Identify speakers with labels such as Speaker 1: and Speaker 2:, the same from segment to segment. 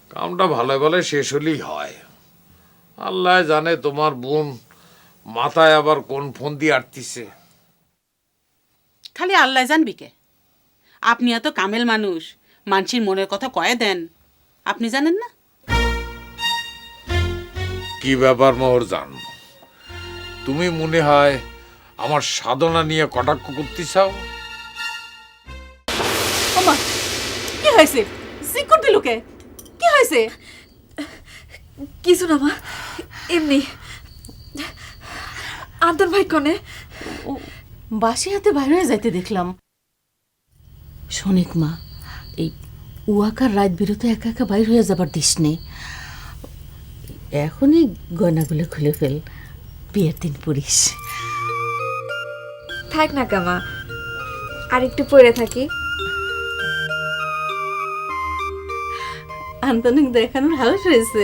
Speaker 1: কামটা ভালো ভালো শেষ হলেই হয়। আল্লাহ জানে তোমার বোন মাথায় আবার কোন ফোন দিয়ে আটতিছে।
Speaker 2: খালি আল্লাহ জানবি কে? আপনি এত কামেল মানুষ, মানসির মনের কথা কয়ে দেন, আপনি জানেন না?
Speaker 1: কি ব্যাপার মোহরজান, তুমি মনে হয় আমার সাধনা নিয়ে কটাক্ষ করতে চাও?
Speaker 2: ওমা, কি হয়েছে? সিকুর দিলুকে কি হয়েছে?
Speaker 3: কিছু না মা, এমনি। আন্তর ভাই কনে?
Speaker 2: বাসি হাতে বাইরে হয়ে যাইতে দেখলাম। শোনিক মা, এই উয়াকার রাত বিরতে একা একা বাইর হয়ে যাবার দিস নেই। এখনই গয়নাগুলো খুলে ফেল, বিয়ের দিন পড়িস।
Speaker 3: থাক না কামা, আর একটু পরে থাকি।
Speaker 2: আন্তনিক দেখানোর হাউস হয়েছে।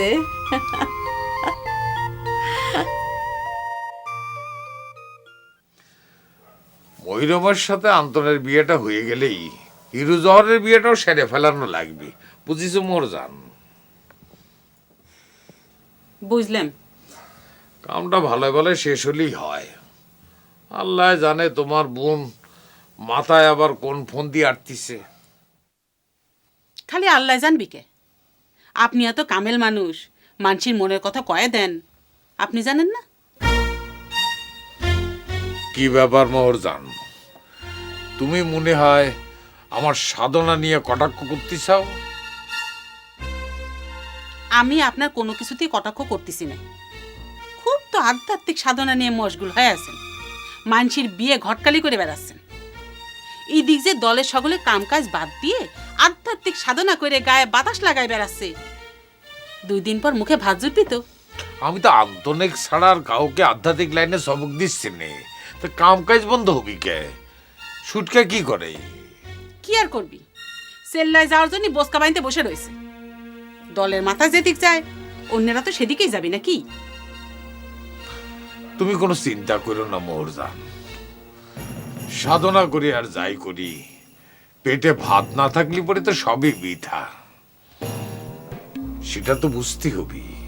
Speaker 1: মহিরমের সাথে আন্তনের বিয়েটা হয়ে গেলেই হিরু জহরের বিয়েটাও সেরে ফেলানো লাগবে, বুঝিস মোহরজান?
Speaker 2: বুঝলাম।
Speaker 1: কামটা ভালো ভালো শেষ হলেই হয়। আল্লাহ জানে তোমার বোন মাথায় আবার কোন ফোন দিয়ে আটতিছে।
Speaker 2: খালি আল্লাহ জানবি কে? আপনি এত কামেল মানুষ, মানসির মনের কথা কয়ে দেন, আপনি জানেন না?
Speaker 1: কি ব্যাপার মোহরজান, তুমি মনে হয় আমার সাধনা নিয়ে কটাক্ষ করতে চাও?
Speaker 2: আমি আপনার কোনো কিছুতেই কটাক্ষ করতেছি না। খুব তো আধ্যাত্মিক সাধনা নিয়ে মশগুল হয়ে আছেন, মানসির বিয়ে ঘটকালি করে বেড়াচ্ছেন। এই দিক যে দলের সকলে কামকাজ বাদ দিয়ে আধ্যাত্মিক সাধনা করে গায়ে বাতাস লাগায় বেড়াচ্ছে, 2 দিন পর মুখে ভাত জুটবি তো।
Speaker 1: আমি তো আন্তনিক ছাড়া আর কাউকে আধ্যাত্মিক লাইনে সবক দিচ্ছি নে, তো কাম কাজ বন্ধ হবি কে? সুটকা কি করে?
Speaker 2: কি আর করবি, সেল্লায় যাওয়ার জন্য বসকা বানিতে বসে রয়েছে। দলের মাথা যেদিক যায় অন্যেরা তো সেদিকেই যাবি নাকি?
Speaker 1: তুমি কোনো চিন্তা করো না মোহরজান, সাধনা করি আর যাই করি, পেটে ভাত না থাকলে পরে তো সবই বৃথা, সেটা তো বুঝতে হবি।